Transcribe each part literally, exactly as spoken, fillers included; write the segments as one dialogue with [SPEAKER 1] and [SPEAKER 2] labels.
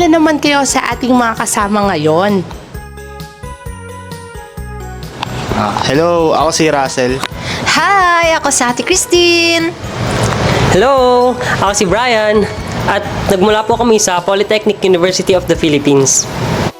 [SPEAKER 1] muna naman kayo sa ating mga kasama ngayon.
[SPEAKER 2] Ah, hello, ako si Russell.
[SPEAKER 3] Hi! Ako si Ate Christine.
[SPEAKER 4] Hello! Ako si Brian at nagmula po kami sa Polytechnic University of the Philippines.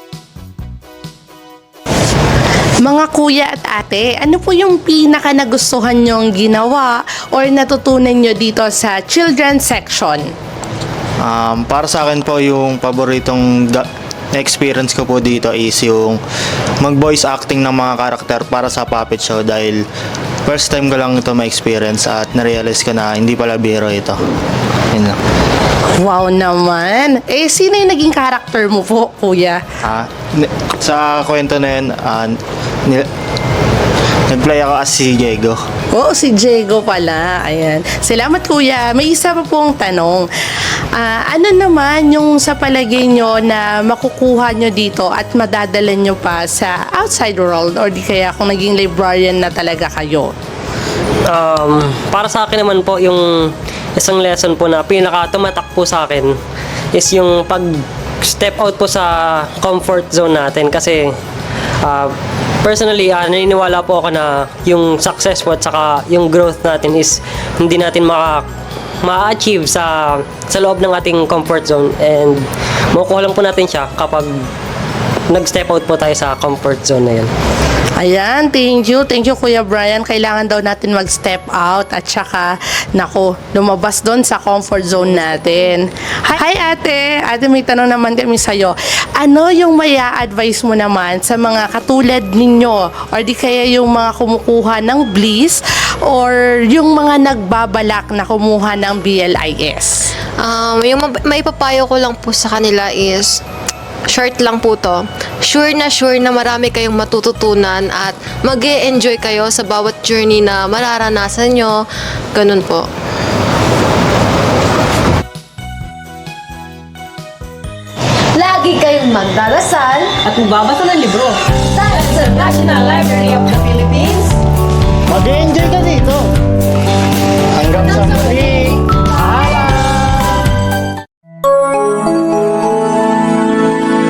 [SPEAKER 1] Mga kuya at ate, ano po yung pinaka nagustuhan nyong ginawa or natutunan nyo dito sa children's section?
[SPEAKER 2] Um, para sa akin po, yung paboritong ga- experience ko po dito is yung mag-voice acting ng mga karakter para sa puppet show dahil first time ko lang ito ma-experience at na-realize ko na hindi pala biro ito. Yun lang.
[SPEAKER 1] Wow naman! Eh, sino yung naging karakter mo po, kuya?
[SPEAKER 2] Ah, ni- sa kwento na yun, ah, ni- nag-play ako as si Diego.
[SPEAKER 1] Oo, si Diego pala. Ayan. Salamat, kuya. May isa pa pong tanong. Ah, ano naman yung sa palagay nyo na makukuha nyo dito at madadala nyo pa sa outside world or di kaya kung naging librarian na talaga kayo?
[SPEAKER 4] Um, para sa akin naman po, yung isang lesson po na pinaka-tumatak po sa akin is yung pag step out po sa comfort zone natin kasi uh, personally, uh, naniniwala po ako na yung success po at saka yung growth natin is hindi natin maka ma-achieve sa sa loob ng ating comfort zone and makukuha lang po natin siya kapag nag-step out po tayo sa comfort zone na yun.
[SPEAKER 1] Ayan, thank you. Thank you, Kuya Brian. Kailangan daw natin mag-step out at saka, nako, lumabas doon sa comfort zone natin. Hi, hi ate. Ate, may tanong naman kami sa'yo. Ano yung maya advice mo naman sa mga katulad ninyo or di kaya yung mga kumukuha ng Bliss or yung mga nagbabalak na kumuha ng B L I S?
[SPEAKER 3] Um, yung mab- maipapayo ko lang po sa kanila is short lang po to. Sure na sure na marami kayong matututunan at mag-e-enjoy kayo sa bawat journey na mararanasan nyo. Ganun po.
[SPEAKER 5] Lagi kayong magdarasal
[SPEAKER 6] At magbabasa ng libro
[SPEAKER 5] dahil sa National Library of the Philippines.
[SPEAKER 2] Mag-enjoy ka din!